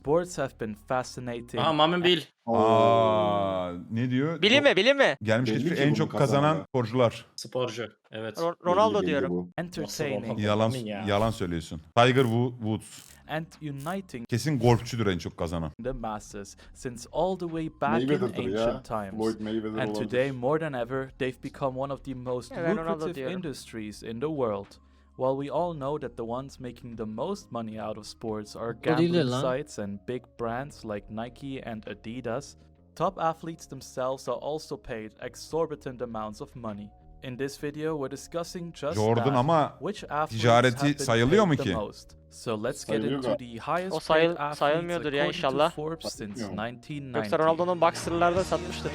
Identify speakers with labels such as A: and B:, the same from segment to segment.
A: Sports have been fascinating.
B: Aha Mami Bil.
C: Ne diyor?
D: Bilin mi?
C: Gelmiş
E: Belli
C: geçmiş
E: ki
C: en
E: bunu
C: çok
E: kazanan
C: kazanan
E: ya.
C: sporcular.
B: Sporcu. Evet.
D: Ronaldo
E: Belli
D: diyorum.
E: bu.
A: Entertaining
B: Ronaldo?
C: Yalan
B: Amin ya.
C: yalan söylüyorsun. Tiger Woods.
A: and uniting
C: Kesin golfçüdür en çok kazanan.
A: the masses since all the way back in
E: Mayweather'dır ya.
A: ancient times.
E: Floyd Mayweather
A: And
E: olabilir.
A: today, more than ever, they've become one of the most
D: Yeah, Ronaldo
A: lucrative
D: diyorum.
A: industries in the world. While we all know that the ones making the most money out of sports are
F: O değildir
A: gambling
F: lan.
A: sites and big brands like Nike and Adidas, top athletes themselves are also paid exorbitant amounts of money. In this video, we're discussing just
C: Jordan
A: that.
C: ama
A: Which athletes
C: ticareti
A: have been
C: sayılıyor
A: paid
C: mu
A: the
C: ki?
A: most? So let's get
E: Sayılıyor
A: into
E: galiba.
A: the highest
D: O
A: paid athletes
D: sayılmıyordur ya
A: according to
D: inşallah.
A: Forbes since
E: Sayılmıyor mu?
A: 1990.
D: Yoksa Ronaldo'nun boxer'larda satmıştır.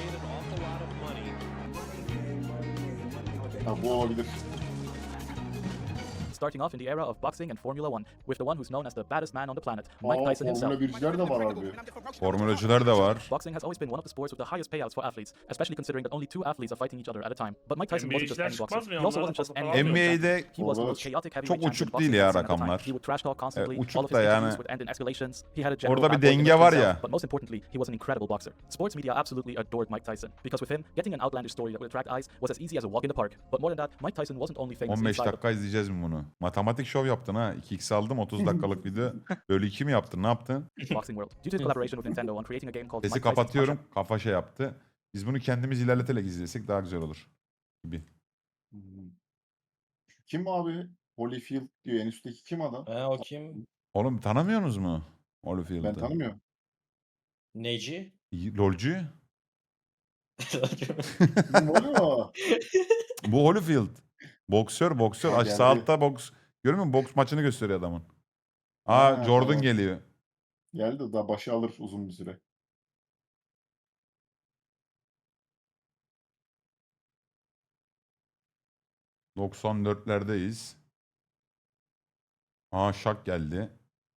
E: Ha, bu olabilir.
A: Starting off in the era of boxing and Formula One, with the one who's known as the baddest man on the planet, Mike
E: Aa,
A: Tyson himself.
E: Formula 1'ciler de var harbi.
C: Formülacılar da var.
A: Boxing has always been one of the sports with the highest payouts for athletes, especially considering that only two athletes are fighting each other at a time. But Mike Tyson wasn't just any boxer.
G: çıkmaz mı ya?
A: He also
G: Onlar
A: wasn't just any
G: falan
A: world champion.
C: NBA'de
A: He was the
E: Orada
A: most chaotic heavyweight
C: çok
A: champion
C: uçuk
A: boxing
C: değil
A: had
C: ya
A: seen at the time.
C: rakamlar.
A: He would trash talk constantly.
C: Uçuk
A: All of his
C: da yani.
A: interviews would end in escalations. He had a general
C: Orada bir
A: bad boy
C: denge
A: image
C: var
A: himself,
C: ya.
A: But most importantly, he was an incredible boxer. Sports media absolutely adored Mike Tyson because with him, getting an outlandish story that would attract eyes was as easy as a walk in the park. But more than that, Mike Tyson wasn't only famous
C: 15
A: inside the
C: dakika izleyeceğiz mi bunu? Matematik şov yaptın ha. 2x aldım 30 dakikalık video. Bölü 2 mi yaptın? Ne yaptın?
A: boxing world. Due to his collaboration with Nintendo on creating a game called
C: Sesi
A: Mike Tyson's Punch-Out!,
C: kapatıyorum. Kafa şey yaptı. Biz bunu kendimiz ilerleterek izlesek daha güzel olur. Gibi.
E: Hmm. Kim abi? Holyfield diyor. En üstteki kim adam?
B: O kim?
C: Oğlum tanımıyorsunuz mu?
E: Ben
C: Holyfield'ı.
E: tanımıyorum.
B: Neci?
C: Lolcu.
E: Kim oluyor?
C: Bu Holyfield. Boksör.
E: Ha,
C: Aç
E: geldi.
C: sağ altta boks. Görüyor musun? Boks maçını gösteriyor adamın. Aa
E: Ha,
C: Jordan
E: tamam.
C: geliyor.
E: Geldi daha başı alır uzun bir süre.
C: ...94'lerdeyiz. Aa Şak geldi.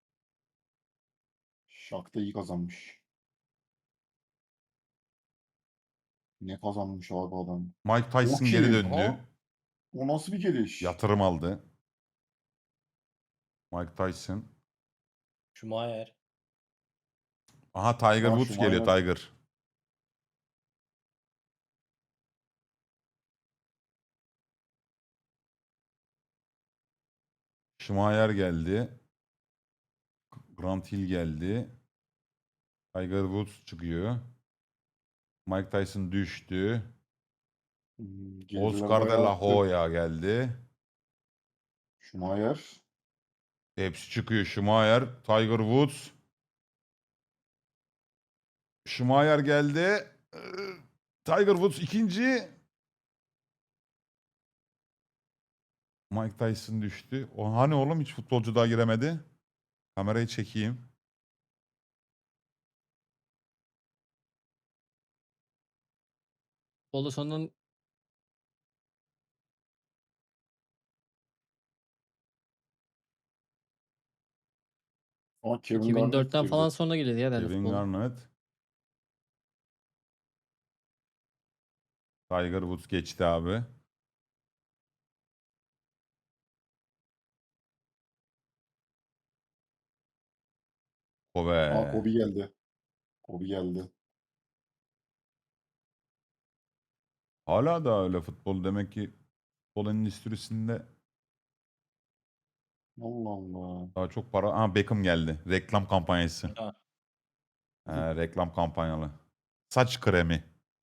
E: Şak'ta iyi kazanmış. Ne kazanmış abi adam?
C: Mike Tyson
E: O
C: geri
E: kim?
C: döndü.
E: Ha? O nasıl bir geliş?
C: Yatırım aldı. Mike Tyson.
B: Schumacher.
C: Aha Tiger
E: Ha,
C: Woods geliyor
E: Schumacher.
C: Tiger. Schumacher geldi. Grant Hill geldi. Tiger Woods çıkıyor. Mike Tyson düştü.
E: Geldiler
C: Oscar de
E: bayağı
C: la
E: attı.
C: Hoya geldi.
E: Schumacher.
C: Hepsi çıkıyor. Schumacher, Tiger Woods. Schumacher geldi. Tiger Woods ikinci. Mike Tyson düştü. O hani oğlum hiç futbolcu daha giremedi. Kamerayı çekeyim.
F: Bolu sonunun
E: Ama Kevin Garnett
F: 2004'ten
E: girdi.
F: falan sonra geliyor ya herhalde
C: Kevin
F: futbol.
C: Garnett. Tiger Woods geçti abi. Kobe.
E: Aa, Kobe geldi. Kobe geldi.
C: Hala da öyle futbol demek ki futbol endüstrisinde
E: Allah Allah.
C: daha çok para. Ha Beckham geldi. Reklam kampanyası.
B: Ha.
C: Reklam kampanyalı. Saç kremi.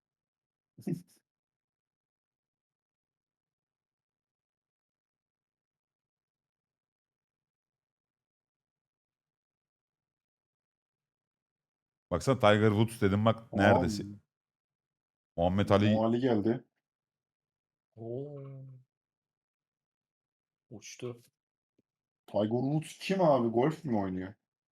C: Baksana Tiger Woods dedim bak neredesin? Muhammed Ali
E: Ali geldi.
B: Oo. Uçtu.
E: Tiger Woods kim abi? Golf mi oynuyor?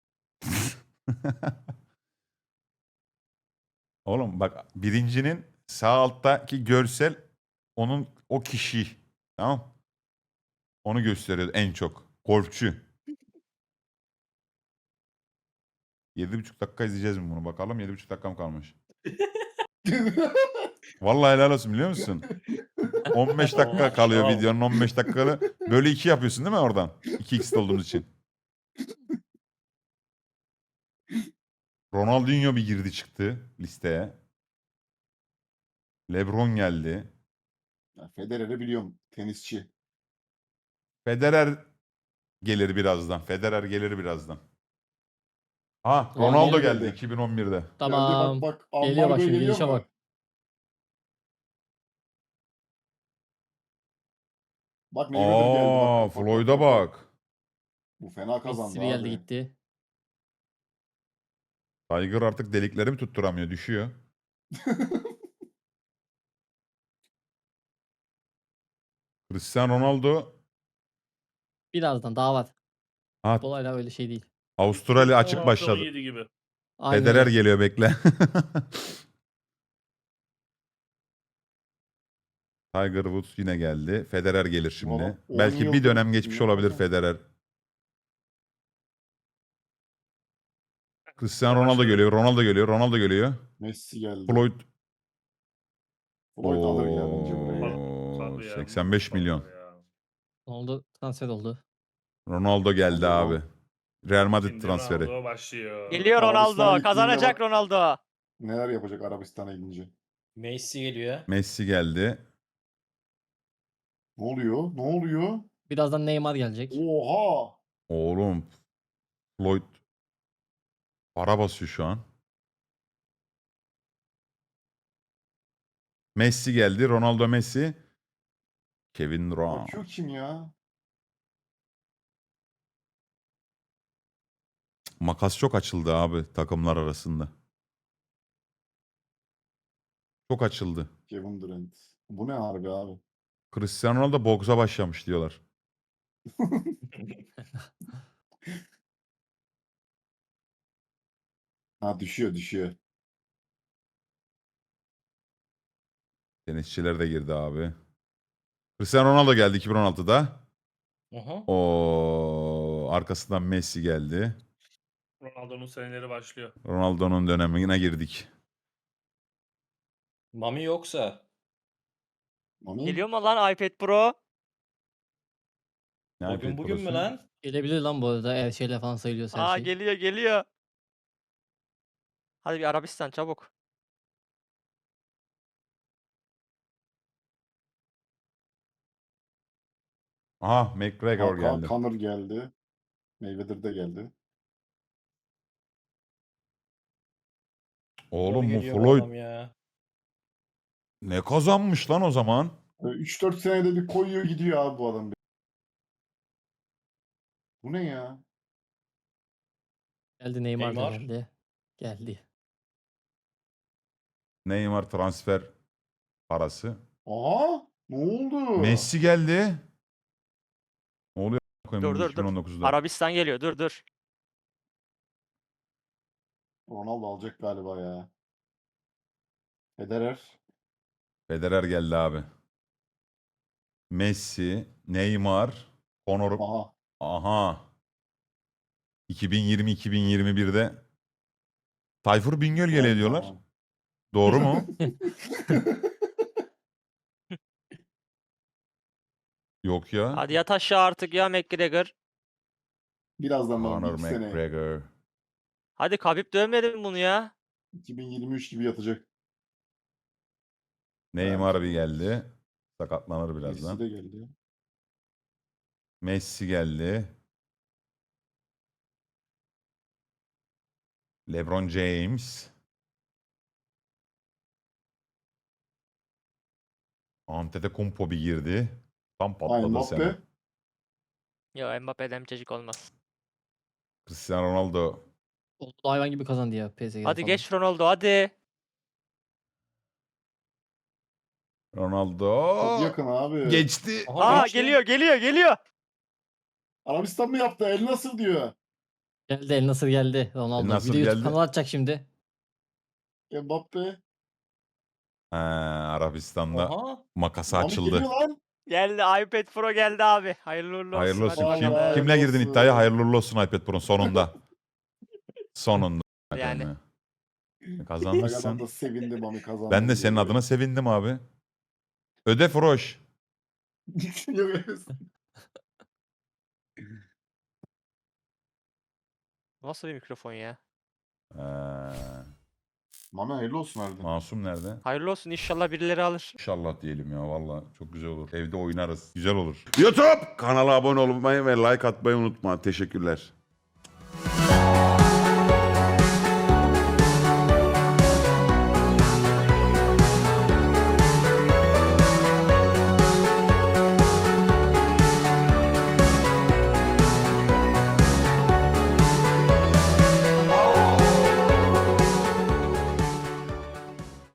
C: Oğlum bak birincinin sağ alttaki görsel onun o kişi. Tamam. Onu gösteriyor en çok. Golfçü. 7,5 dakika izleyeceğiz mi bunu? Bakalım 7,5 dakikam kalmış. Vallahi helal olsun biliyor musun? 15 dakika kalıyor
B: Wow.
C: videonun 15 dakikalı. Bölü 2 yapıyorsun değil mi oradan? 2x olduğumuz için. Ronaldinho bir girdi çıktı listeye. LeBron geldi.
E: Ya Federer'i biliyorum. Tenisçi.
C: Federer gelir birazdan. Federer gelir birazdan. Ha,
E: Tamam,
C: Ronaldo
E: geldi,
C: geldi
E: geldi.
C: 2011'de.
E: Geldi,
B: Tamam.
E: bak
B: Geliyor bak
E: ambargo
B: şimdi,
E: geliyor
B: gelişe
E: mu?
B: bak.
E: Bak Mayweather geldi, bak bak bak bak
C: Floyd'a
E: bak bak.
C: bak.
E: Bu fena
B: Messi
E: kazandı
B: bir geldi
E: abi.
B: gitti.
C: Tiger artık delikleri mi tutturamıyor, düşüyor. Cristiano Ronaldo.
B: Birazdan daha var.
C: Ha,
B: Futbol hala öyle şey değil.
C: Avustralya açık
F: 16,
C: başladı.
F: 17 gibi.
B: Aynen
C: Federer
B: öyle.
C: geliyor, bekle. Tiger Woods yine geldi. Federer gelir
E: Bu
C: şimdi.
E: adam 10
C: Belki bir dönem
E: yıldır
C: geçmiş
E: ne
C: olabilir
E: kazandı?
C: Federer. Cristiano Ronaldo
F: Başladı.
C: geliyor. Ronaldo geliyor. Ronaldo geliyor.
E: Messi geldi.
C: Floyd.
E: Floyd alır ya bence burayı.
F: Tabii ya,
C: 85
F: mutlaka
C: milyon.
F: ya.
B: Oldu, transfer oldu.
C: Ronaldo geldi
E: Ronaldo.
C: abi. Real Madrid
F: Şimdi
C: transferi.
F: Ronaldo başlıyor.
D: Geliyor
E: Arabistan'a
D: Ronaldo.
E: gittiğinde
D: Kazanacak
E: bak.
D: Ronaldo.
E: Neler yapacak Arabistan'a gidince?
B: Messi geliyor.
C: Messi geldi.
E: Ne oluyor? Ne oluyor?
B: Birazdan Neymar gelecek.
E: Oha!
C: Oğlum Floyd para basıyor şu an. Messi geldi. Ronaldo, Messi. Kevin Durant.
E: Bakıyor kim ya?
C: Makas çok açıldı abi takımlar arasında. Çok açıldı.
E: Kevin Durant. Bu ne harbi abi?
C: Cristiano Ronaldo boksa başlamış diyorlar.
E: Ha, düşüyor düşüyor.
C: Tenisçiler de girdi abi. Cristiano Ronaldo geldi 2016'da.
B: Aha.
C: O arkasından Messi geldi.
F: Ronaldo'nun seneleri başlıyor.
C: Ronaldo'nun dönemine girdik.
B: Mami yoksa.
E: Mami?
D: Geliyor mu lan iPad Pro?
C: Ne
B: Bugün
C: iPad
B: bugün mü
C: Pro'su?
B: lan? Gelebilir lan bu arada, eğer şeyle falan sayılıyorsa her
D: Aa
B: şey.
D: geliyor geliyor. Hadi bir Arabistan çabuk.
C: Aha, McGregor geldi.
E: Conor geldi. Mayweather de geldi.
C: Oğlum bu Floyd
B: Ya.
C: ne kazanmış lan o zaman?
E: 3-4 senede bir koyuyor gidiyor abi bu adam. Bu ne ya?
B: Geldi Neymar da
G: Neymar.
B: geldi. Geldi.
C: Neymar transfer parası.
E: Aha! Ne oldu?
C: Messi geldi. Ne oluyor koyayım
D: Dur dur dur.
C: 2019'da?
D: Arabistan geliyor dur dur.
E: Ronaldo alacak galiba ya. Federer.
C: Federer geldi abi. Messi, Neymar, Conor.
E: Aha.
C: Aha. 2020-2021'de Tayfur Bingöl geliyor
E: Prime
C: diyorlar.
E: zaman.
C: Doğru mu? Yok ya.
D: Hadi yat aşağı artık ya McGregor.
E: Birazdan bana
C: Conor
E: 2 sene.
C: McGregor.
D: Hadi Khabib dövmedi mi bunu ya?
E: 2023 gibi yatacak.
C: Neymar bir
E: Evet.
C: geldi. Sakatlanır
E: Messi
C: birazdan.
E: de geldi.
C: Messi geldi. LeBron James. Antetokounmpo bir girdi. Tam
E: Aynen
C: patladı sene.
E: Mbappe.
D: Yo Mbappe'den çocuk olmaz.
C: Cristiano Ronaldo.
B: Oldu da hayvan gibi kazandı ya PSG'de
D: Hadi
B: falan.
D: geç Ronaldo hadi.
C: Ronaldo.
E: Çok yakın abi.
C: Geçti.
D: Aa geliyor geliyor geliyor.
E: Arabistan mı yaptı? El nasıl diyor?
B: Geldi, El Nasır geldi. Ronaldo.
C: El Nasır
B: Bir de YouTube
C: geldi.
B: kanalı açacak şimdi.
E: Mbappe.
C: Ha, Arabistan'da
G: Aha.
C: makası
E: Mami
C: açıldı.
E: geliyor lan.
D: Geldi iPad Pro geldi abi. Hayırlı uğurlu olsun.
C: Hayırlı olsun.
D: Hadi
C: Kim,
D: bakalım.
C: kimle girdin
E: olsun.
C: iddiaya? Hayırlı uğurlu olsun iPad Pro'nun sonunda. Sonunda.
D: Yani.
E: Agadan
C: Kazanmışsın.
E: da sevindi Mami kazandı.
C: Ben de senin adına sevindim abi. Öde Froş.
E: Yok, evet.
D: Nasıl bir mikrofon ya?
E: Mami hayırlı olsun harbiden.
C: Masum nerede?
D: Hayırlı olsun, inşallah birileri alır.
C: İnşallah diyelim ya valla çok güzel olur. Evde oynarız. Güzel olur. YouTube kanala abone olmayı ve like atmayı unutma. Teşekkürler.